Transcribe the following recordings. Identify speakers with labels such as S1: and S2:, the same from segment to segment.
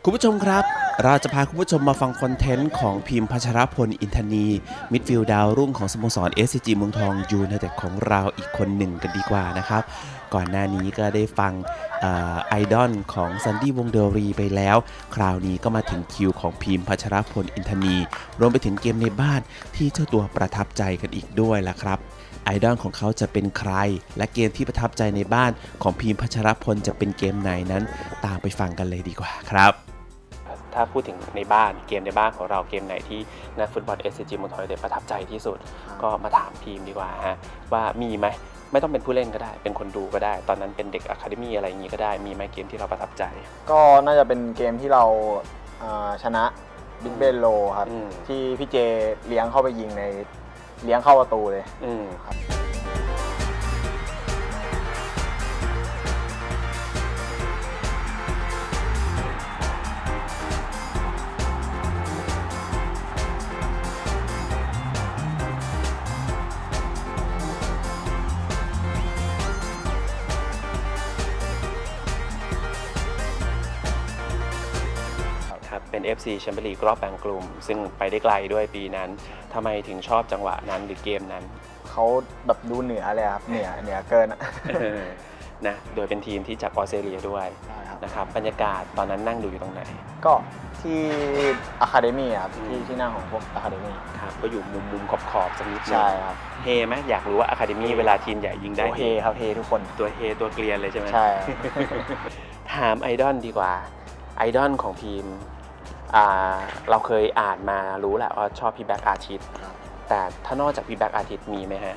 S1: คุณผู้ชมครับเราจะพาคุณผู้ชมมาฟังคอนเทนต์ของพิมพ์พัชรพลอินทนีมิดฟิลด์ดาวรุ่งของสโมสร SCG เมืองทองยูไนเต็ดของเราอีกคนหนึ่งกันดีกว่านะครับก่อนหน้านี้ก็ได้ฟังไอดอลของซันดี้วงเดอรีไปแล้วคราวนี้ก็มาถึงคิวของพิมพ์พัชรพลอินทนีรวมไปถึงเกมในบ้านที่เจ้าตัวประทับใจกันอีกด้วยล่ะครับไอดอลของเขาจะเป็นใครและเกมที่ประทับใจในบ้านของพิมพ์พัชรพลจะเป็นเกมไหนนั้นตามไปฟังกันเลยดีกว่าครับถ้าพูดถึงในบ้านเกมในบ้านของเราเกมไหนที่นักฟุตบอล SCG เมืองทองยูไนเต็ดประทับใจที่สุดก็มาถามทีมดีกว่าฮะว่ามีไหมไม่ต้องเป็นผู้เล่นก็ได้เป็นคนดูก็ได้ตอนนั้นเป็นเด็กอะคาเดมี่อะไรอย่างนี้ก็ได้มีไหมเกมที่เราประทับใจ
S2: ก็น่าจะเป็นเกมที่เราชนะบิ๊กเบนโลครับที่พี่เจเลี้ยงเข้าไปยิงในเลี้ยงเข้าประตูเลยครับ
S1: เป็น FC แชมเปี้ยนลีกรอบแบ่งกลุ่มซึ่งไปได้ไกลด้วยปีนั้นทำไมถึงชอบจังหวะนั้นหรือเกมนั้น
S2: เขาแบบดูเหนือเลยครับเหนือเกิน
S1: นะโดยเป็นทีมที่จากออสเตรเลียด้วยนะครับบรรยากาศตอนนั้นนั่งดูอยู่ตรงไหน
S2: ก็ที่อะคาเดมี่ครับที่นั่งของพวกอะคาเดมี่
S1: ครับก็อยู่มุมขอบสักนิดนึง
S2: ใช่ครับ
S1: เฮไหมอยากรู้ว่าอะคาเดมี่เวลาทีมใหญ่ยิงได้
S2: เฮครับเฮทุกคน
S1: ตัวเฮตัวเกลียนเลยใช่ไหม
S2: ใช่
S1: ถามไอดอลดีกว่าไอดอลของทีมเราเคยอ่านมารู้แหละว่าชอบพี่แบ็กอาทิตย์แต่ถ้านอกจากพี่แบ็กอาทิตย์มีไหมฮะ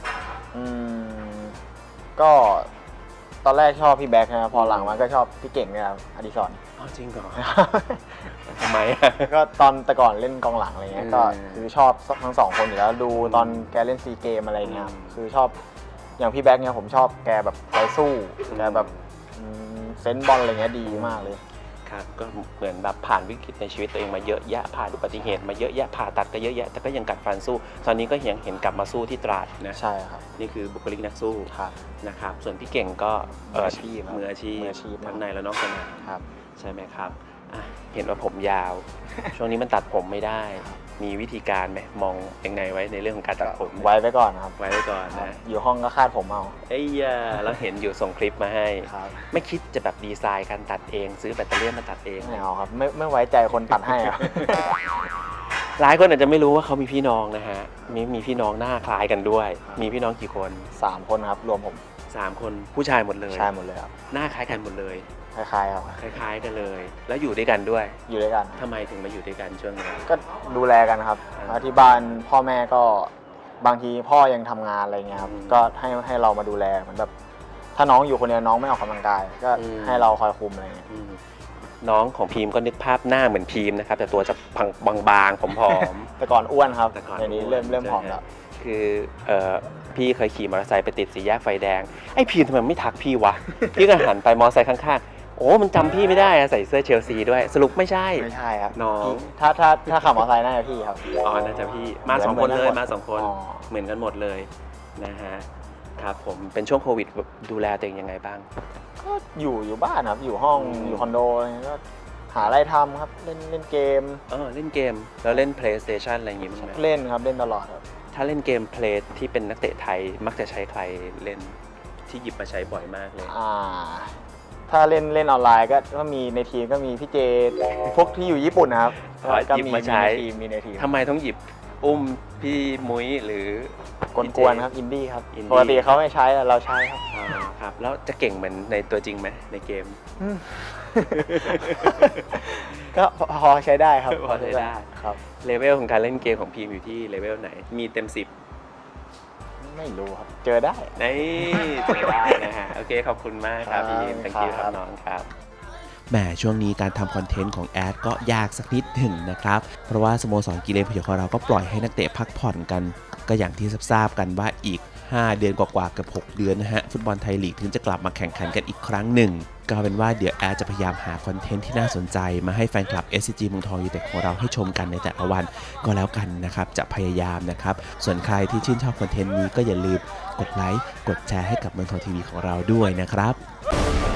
S2: ก็ตอนแรกชอบพี่แบ็กนะพอหลังมาก็ชอบพี่เก่งเนี่ยครับอดิศร
S1: จริงเหรอทำไม
S2: ก็ตอนแต่ก่อนเล่นกองหลังอะไรเงี้ยก็คือชอบทั้งสองคนอยู่แล้วดูตอนแกเล่นซีเกมอะไรเงี้ยคือชอบอย่างพี่แบ็กเนี่ยผมชอบแกแบบใจสู้แกแบบเซนส์บอลอะไรเงี้ยดีมากเลย
S1: ครับก็เหมือนแบบผ่านวิกฤตในชีวิตตัวเองมาเยอะแยะผ่านอุบัติเหตุมาเยอะแยะผ่าตัดก็เยอะแยะแต่ก็ยังกัดฟันสู้ตอนนี้ก็เห็นกลับมาสู้ที่ตราดนะ
S2: ใช่ครับ
S1: นี่คือบุคลิกนักสู้นะครับส่วนพี่เก่งก็มืออาชีพทั้งในและนอกสนามใช่ไหมครับเห็นว่าผมยาวช่วงนี้มันตัดผมไม่ได้มีวิธีการไหมมองยังไงไว้ในเรื่องของการตัดผม
S2: ไว้ไปก่อนครับ
S1: ไว้ไปก่อนนะ
S2: อยู่ห้องก็คาดผมเอา
S1: แล้วเห็นอยู่ส่งคลิปมาให้ไม่คิดจะแบบดีไซน์การตัดเองซื้อแบตเตอรี่มาตัดเอง
S2: ไม่เอาครับไม่ไว้ใจคนตัดให้ครับ
S1: หลายคนอาจจะไม่รู้ว่าเขามีพี่น้องนะฮะมีพี่น้องหน้าคล้ายกันด้วยมีพี่น้องกี่คน
S2: 3 คนครับรวมผม
S1: 3 คนผู้ชายหมดเลย
S2: ใช่หมดเลยครับ
S1: หน้าคล้ายกันหมดเลย
S2: คล้ายๆครับ
S1: คล้ายๆกันเลยแล้วอยู่ด้วยกันด้วย
S2: อยู่ด้วยกัน
S1: ทำไมถึงมาอยู่ด้วยกันช่วงนี้
S2: ก็ดูแลกันครับที่บ้านพ่อแม่ก็บางทีพ่อยังทำงานอะไรเงี้ยครับก็ให้เรามาดูแลเหมือนแบบถ้าน้องอยู่คนเดียวน้องไม่ออกกำลังกายก็ให้เราคอยคุมอะไรเงี้ย
S1: น้องของพีมก็นึกภาพหน้าเหมือนพีมนะครับแต่ตัวจะบางๆผอม
S2: ๆแต่ก่อนอ้วนครับเดี๋ยวนี้เริ่มผอมแล้ว
S1: คือพี่เคยขี่มอเตอร์ไซค์ไปติดสี่แยกไฟแดงไอ้พีมทำไมไม่ทักพี่วะพี่ก็หันไปมอเตอร์ไซค์ข้างๆโอ้มันจำพี่ไม่ได้ใส่เสื้อเชลซีด้วยสรุปไม่ใช่
S2: ครับ
S1: น้อง
S2: ถ้าขับมอเตอร์ไซค์น่าจะพี่ครับ
S1: น่าจะพี่มา2 คนเลยมา2 คนเหมือนกันหมดเลยนะฮะครับผมเป็นช่วงโควิดดูแลตัวเองยังไงบ้าง
S2: ก็อยู่บ้านครับอยู่ห้องอยู่คอนโดก็หาอะไรทำครับเล่นเกม
S1: เล่นเกมแล้วเล่น PlayStation อะไรอย่างงี้มั้ย
S2: เล่นครับเล่นตลอดครับ
S1: ถ้าเล่นเกมเพลย์ที่เป็นนักเตะไทยมักจะใช้ใครเล่นที่หยิบมาใช้บ่อยมากเลย
S2: ถ้าเล่นออนไลน์ก็มีในทีมก็มีพี่เจพวกที่อยู่ญี่ปุ่นนะครับ
S1: ก็หยิบมาใช้
S2: มีในทีม
S1: ทำไมต้องหยิบอุ้มพี่มุ้ยหรือก
S2: วนๆครับอินดี้ครับปกติเขาไม่ใช้เราใช้ครับ
S1: ครับแล้วจะเก่งเหมือนในตัวจริงไหมในเกม
S2: ก็พอใช้ได้ครับ
S1: พอใช้ได้
S2: ครับ
S1: เลเวลของการเล่นเกมของพีมอยู่ที่เลเวลไหนมีเต็ม10
S2: ไม่รู้ครับเจอได้
S1: เจอได้นะฮะโอเคขอบคุณมากครับพี่thank youครับน้องครับแหมช่วงนี้การทำคอนเทนต์ของแอดก็ยากสักนิดหนึ่งนะครับเพราะว่าสโมสรกีฬาพยของเราก็ปล่อยให้นักเตะพักผ่อนกันก็อย่างที่ทราบกันว่าอีก5 เดือนกว่าๆกับ6 เดือนนะฮะฟุตบอลไทยลีกถึงจะกลับมาแข่งขันกันอีกครั้งหนึ่งก็เป็นว่าเดี๋ยวแอดจะพยายามหาคอนเทนต์ที่น่าสนใจมาให้แฟนคลับ SCG เมืองทองยูไนเต็ดของเราให้ชมกันในแต่ละวันก็แล้วกันนะครับจะพยายามนะครับส่วนใครที่ชื่นชอบคอนเทนต์นี้ก็อย่าลืมกดไลค์กดแชร์ให้กับเมืองทองทีวีของเราด้วยนะครับ